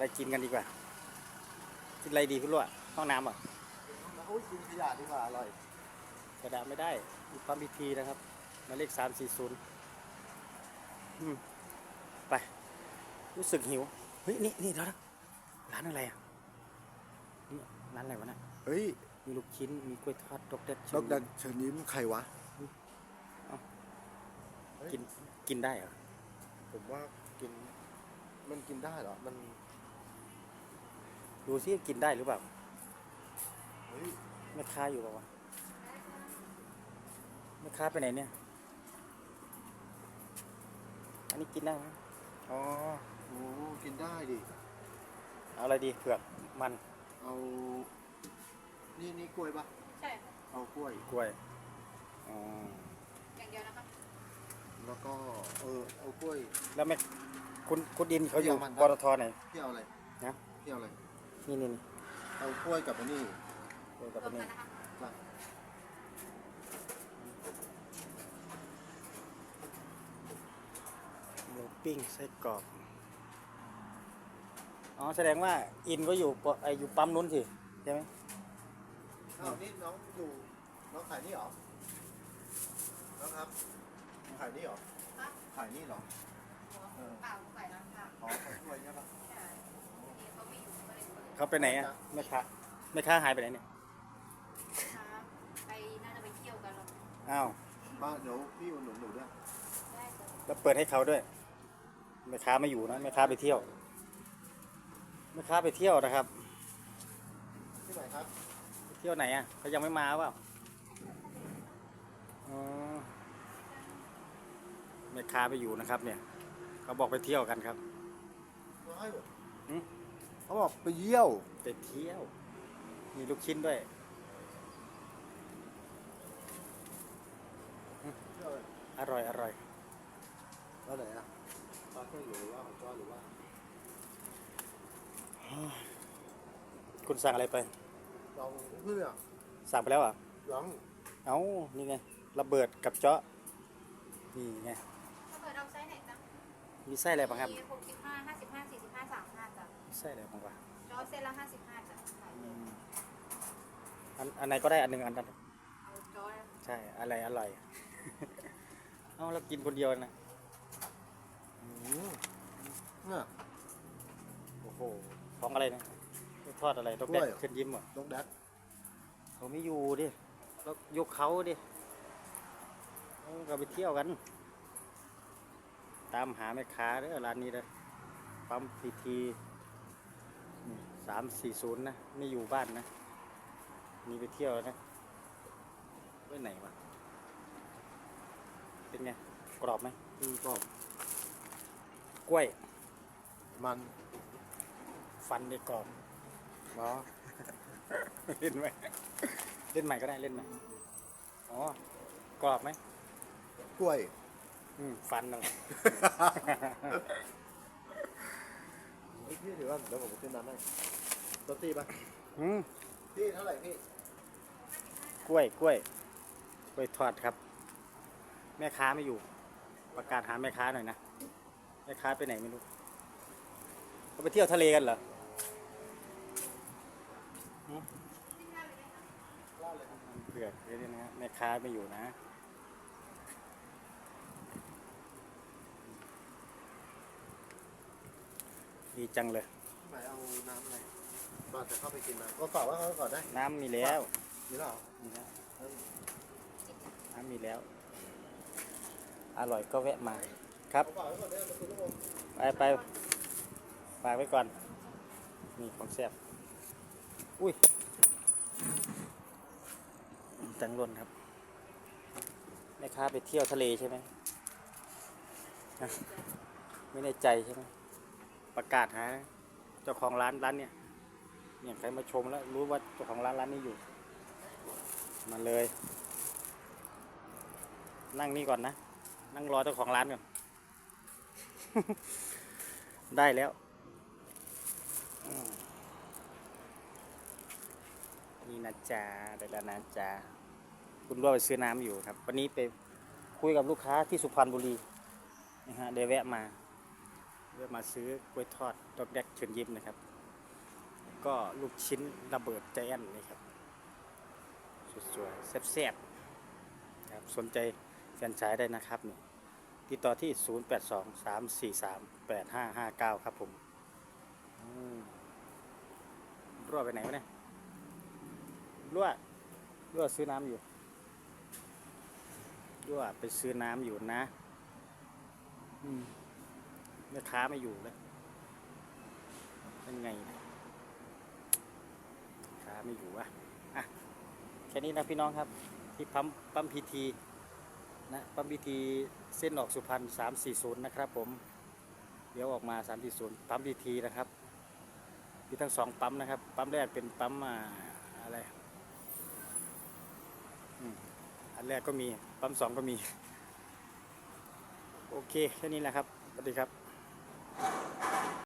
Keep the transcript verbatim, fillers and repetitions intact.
อะไรกินกันดีกว่ากินอะไรดีพี่ลุ่ะห้องน้ำอ่ะโอ้ยกินขยะดีกว่าอร่อยกระดาษไม่ได้มีความพิธีนะครับหมายเลขสามสี่ศูนย์ไปรู้สึกหิวเฮ้ยนี่นี่แล้วร้านอะไรอ่ะนี่ร้านอะไรวะน่ะเฮ้ยมีลูกชิ้นมีกล้วยทอดดอกเด็ดดอกดันเชิญยิ้มใครวะกินกินได้เหรอผมว่ากินมันกินได้เหรอมันดูซิกินได้หรือเปล่าเฮ้ยแม่ค้าอยู่เปล่าวะแม่ค้าไปไหนเนี่ยอันนี้กินได้ไหมอ๋อโอ้กินได้ดิเอาอะไรดีเผือกมันเอานี่นี่กล้วยปะใช่เอากล้วยกล้วยอ๋ออย่างเดียวนะครับแล้วก็เออเอากล้วยแล้วแม่คุณคุณดินเขาอยู่ปตทไหนพี่เอาอะไรนะพี่เอาอะไรนี่นี่นี่เอากล้วยกับอันนี้กล้วยกับอันนี้หมูปิ้งไส้กรอกอ๋อแสดงว่าอินก็อยู่ไออยู่ปั๊มนู้นสิใช่ไหมอ้าวนี่น้องอยู่น้องขายนี่เหรอน้องครับขายนี่เหรอขายนี่เหรอเปล่าใส่ร้านค่ะอ๋อขายกล้วยใช่ปะใช่เขาไม่อยู่ก็เลยเขาไปไหนอ่ะแม่ค้าแม่ค้าหายไปไหนเนี่ยไปน่าจะไปเที่ยวกันหรออ้าวมาเดี๋ยวพี่อุดหนุนหนูด้วยแล้วเปิดให้เขาด้วยแม่ค้าไม่อยู่นะแม่ค้าไปเที่ยวแม่ค้าไปเที่ยวนะครับที่ไหนครับไปเที่ยวไหนอ่ะเขายังไม่มาเปล่าอ๋อแม่ค้าไปอยู่นะครับเนี่ยเขาบอกไปเที่ยวกันครับเขาบอกไปเยี่ยวไปเที่ยวมีลูกชิ้นด้วยอร่อยอร่อยแล้วไหนอ่ะปลาเครื่องหรือว่าของจ้อหรือว่าคุณสั่งอะไรไปลองเพื่อสั่งไปแล้วอ่ะยังเอ้านี่ไงระเบิดกับเจาะนี่ไงระเบิดเอาไส้ไหนจ๊ะมีไส้อะไรบ้างครับมีหกสิบห้าห้าสิบห้าสี่สิบห้าสามห้าจ้ะไส้อะไรบ้างวะจอเส้นละห้าสิบห้าจ้ะอันอันไหนก็ได้อันหนึ่งอันนั้นเอาจอใช่อะไรอร่อยเอาเรากินคนเดียวนะเนี่ยโอ้โหของอะไรนะทอดอะไรดอกแดกเชิญยิ้มเหรอดอกแดกเขาไม่อยู่ดิแล้วยกเขาดิเราไปเที่ยวกันตามหาแม่ค้าเด้อร้านนี้เลยปั๊มพีทีสามสี่ศูนย์นะไม่อยู่บ้านนะมีไปเที่ยวนะไปไหนวะเป็นไงกรอบไหมอืมกรอบกล้วยมันฟันในกรอบเนาะเล่นไหมเล่นใหม่ก็ได้เล่นใหม่อ๋อกรอบไหมกล้วยอืมฟันนั่นไอ้พี่เดี๋ยวว่าเดี๋ยวผมขึ้นน้ำให้ตัวตีป่ะอืมพี่เท่าไหร่พี่กล้วยกล้วยกล้วยทอดครับแม่ค้าไม่อยู่ประกาศหาแม่ค้าหน่อยนะแม่ค้าไปไหนไม่รู้เขาไปเที่ยวทะเลกันเหรอเผือกนี่นะแม่ค้าไม่อยู่นะดีจังเลยหมายเอาน้ำอะไรบ้านจะเข้าไปกินน้ำก็ฝากว่าเขาก่อนได้น้ำมีแล้วมีแล้วมีแล้วน้ำมีแล้วอร่อยก็แวะมาครับไปไปฝากไว้ก่อนมีของแซ่บอุ้ยจังรนครับแม่ค้าไปเที่ยวทะเลใช่ไหมไม่ในใจใช่ไหมประกาศหาเจ้าของร้านร้านเนี่ยเนี่ยใครมาชมแล้วรู้ว่าเจ้าของร้านร้านนี้อยู่มาเลยนั่งนี่ก่อนนะนั่งรอเจ้าของร้านก่อนได้แล้วนี่นะจ๊ะได้แล้วนะจ๊ะคุณรั่วไปซื้อน้ำอยู่ครับวันนี้ไปคุยกับลูกค้าที่สุพรรณบุรีนะฮะเดี๋ยวแวะมาเพื่อมาซื้อกล้วยทอดดอกแดกเชิญยิ้มนะครับ ก็ลูกชิ้นระเบิดใจแอนนี่ครับสวยๆแซ่บๆครับสนใจแฟรนไชส์ได้นะครับนี่ติดต่อที่ ศูนย์ แปด สอง สาม สี่ สาม แปด ห้า ห้า เก้า ครับผมอืมรั่วไปไหนวะเนี่ยรั่วรั่วซื้อน้ำอยู่รั่วไปซื้อน้ำอยู่นะอืมแม่ค้าไม่อยู่เลยเป็นไงเนี่ยค้าไม่อยู่อะอ่ะแค่นี้นะพี่น้องครับที่ปั๊มปั๊มพีทีนะปั๊มพีทีเส้นออกสุพรรณสามสี่ศูนย์นะครับผมเดี๋ยวออกมาสามสี่ศูนย์ปั๊มพีทีนะครับมีทั้งสองปั๊มนะครับปั๊มแรกเป็นปั๊มอ่าอะไรอืมอันแรกก็มีปั๊มสองก็มีโอเคแค่นี้แหละครับสวัสดีครับ